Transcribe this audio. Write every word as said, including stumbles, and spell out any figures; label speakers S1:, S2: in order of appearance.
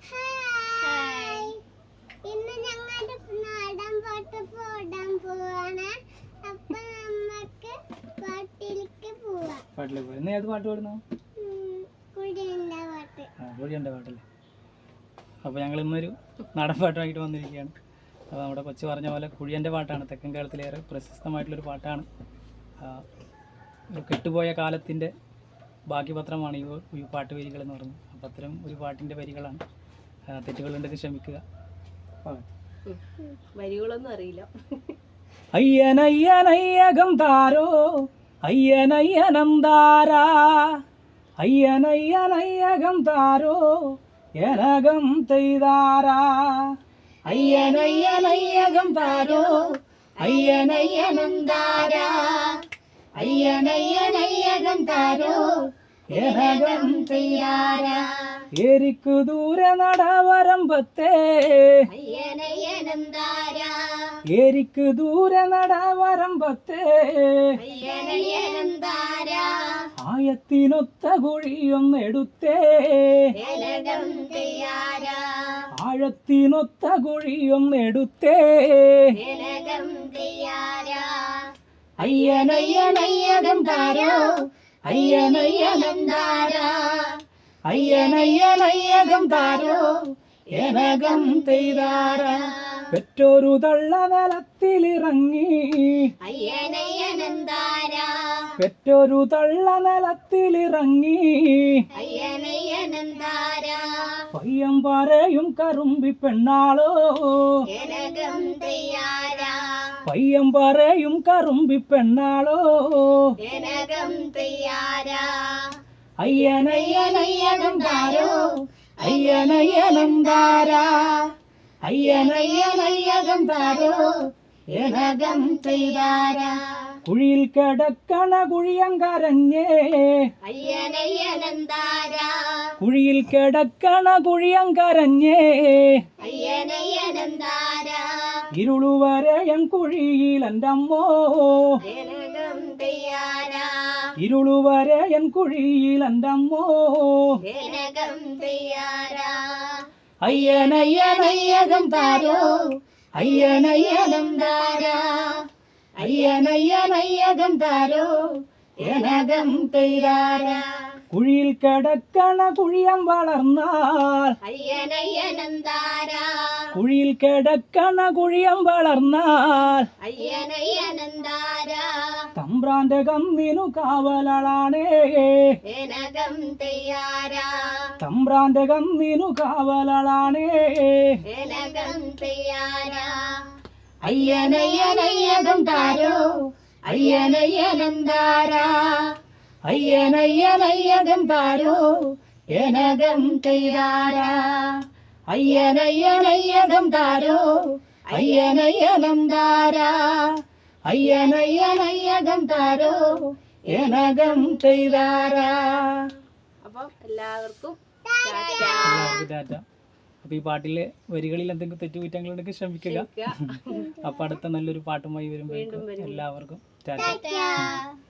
S1: ഇന്ന് ഞങ്ങളുടെ നാടൻ പാട്ട് പാടാൻ പോവാണ്. അപ്പൊ നമുക്ക് പാട്ടിലേക്ക് പോവാം.
S2: പാട്ടിലേക്ക് പോവാം. ഇന്ന് ഏത് പാട്ട് പാടുന്നു?
S1: കുഴിയന്റെ പാട്ട്.
S2: ആ കുഴിയന്റെ പാട്ടല്ലേ. അപ്പോൾ ഞങ്ങൾ ഇന്നൊരു നാടൻ പാട്ടായിട്ട് വന്നിരിക്കുകയാണ്. അപ്പോൾ നമ്മുടെ കൊച്ചു പറഞ്ഞ പോലെ കുഴിയൻ്റെ പാട്ടാണ്. തെക്കൻ കേരളത്തിലേറെ പ്രശസ്തമായിട്ടുള്ളൊരു പാട്ടാണ്. ഒരു കെട്ടുപോയ കാലത്തിൻ്റെ ബാക്കി പത്രമാണ് ഈ ഈ പാട്ട് വരികൾ എന്ന് പറയുന്നത്. അപ്പം അത്തരം ഒരു പാട്ടിൻ്റെ വരികളാണ്. തെറ്റുകളുണ്ടെങ്കിൽ ക്ഷമിക്കുക.
S3: വരികളൊന്നും അറിയില്ല.
S2: അയ്യനയ്യനയ്യകം താരോ അയ്യനയ്യനന്താരാ അയ്യനയ്യനയ്യകം താരോ എനകം തെയ്താരാ അയ്യനയ്യനയ്യകം താരോ അയ്യനയ്യനന്താരാ അയ്യനയ്യനയ്യകം താരോ എനകം തെയ്താരാ എരിക്കു ദൂരെ നടവരമ്പത്തെ
S1: അയ്യനയ്യനന്താരാ
S2: എരിക്കു ദൂരെ നടവരമ്പത്തെ
S1: അയ്യനയ്യനന്താരാ
S2: ആയത്തിനൊത്ത കുഴിയൊന്നെടുത്തേ
S1: എനകം തെയ്യാരാ
S2: ആഴത്തിനൊത്ത കുഴിയൊന്നെടുത്തേ
S1: എനകം തെയ്യാരാ
S2: അയ്യനയ്യനയ്യകം താരോ അയ്യനയ്യനന്താരാ അയ്യനയ്യനയ്യകം താരോ എനകം തെയ്താരാ പെറ്റൊരു തള്ള നിലത്തിലിറങ്ങി
S1: അയ്യനയ്യനന്താരാ
S2: പെറ്റൊരു തള്ള നിലത്തിലിറങ്ങി
S1: അയ്യനയ്യനന്താരാ
S2: പയ്യം പറയും കറുമ്പി പെണ്ണാളോ
S1: എനകം തെയ്യാരാ
S2: പയ്യം പറയും കറുമ്പി പെണ്ണാളോ
S1: എനകം തെയ്യാരാ
S2: അയ്യനയ്യനയ്യകം താരോ അയ്യനയ്യനന്താരാ അയ്യനയ്യനയ്യകം താരോ എനകം തെയ്താരാ കുഴിയിൽ കിടക്കണ കുഴിയം കരഞ്ഞേ
S1: അയ്യനയ്യനന്താരാ
S2: കുഴിയിൽ കിടക്കണ കുഴിയം കരഞ്ഞേ
S1: അയ്യനയ്യനന്താരാ
S2: ഇരുളുവരെയൻ കുഴിയിൽ എൻ്റെ അമ്മോ
S1: എനകം തെയ്യാരാ
S2: ഇരുളുവരെയൻ കുഴിയിൽ എൻ്റെ അമ്മോ
S1: എനകം തെയ്യാരാ
S2: അയ്യനയ്യനയ്യകം താരോ അയ്യനയ്യനന്താരാ അയ്യനയ്യനയ്യകം താരോ എനകം തെയ്താരാ കുഴിയിൽ കിടക്കണ കുഴിയം വളർന്നാൽ
S1: അയ്യനയ്യനന്താരാ
S2: കുഴിയിൽ കിടക്കണ കുഴിയം വളർന്നാൽ
S1: അയ്യനയ്യനന്താരാ
S2: തമ്പ്രാന്റെ കന്നിനു കാവലാണേ
S1: എനകം തെയ്യാരാ
S2: തമ്പ്രാന്റെ കന്നിനു കാവലാണേ
S1: എനകം തെയ്യാരാ
S2: അയ്യനയ്യനയ്യകം താരോ അയ്യനയ്യനന്താരാ അയ്യനയ്യനയ്യകം താരോ എനകം തെയ്താരാ അയ്യനയ്യനയ്യകം താരോ അയ്യനയ്യനന്താരാ അയ്യനയ്യനയ്യകം താരോ എനകം തെയ്താരാ.
S3: അപ്പം എല്ലാവർക്കും
S2: എല്ലാവർക്കും ടാറ്റ. അപ്പോൾ ഈ പാട്ടിലെ വരികളിൽ എന്തെങ്കിലും തെറ്റുകുറ്റങ്ങളുണ്ടെങ്കിൽ ക്ഷമിക്കുക. അപ്പോൾ അടുത്ത നല്ലൊരു പാട്ടുമായി വരുമ്പോൾ എല്ലാവർക്കും ടാറ്റ.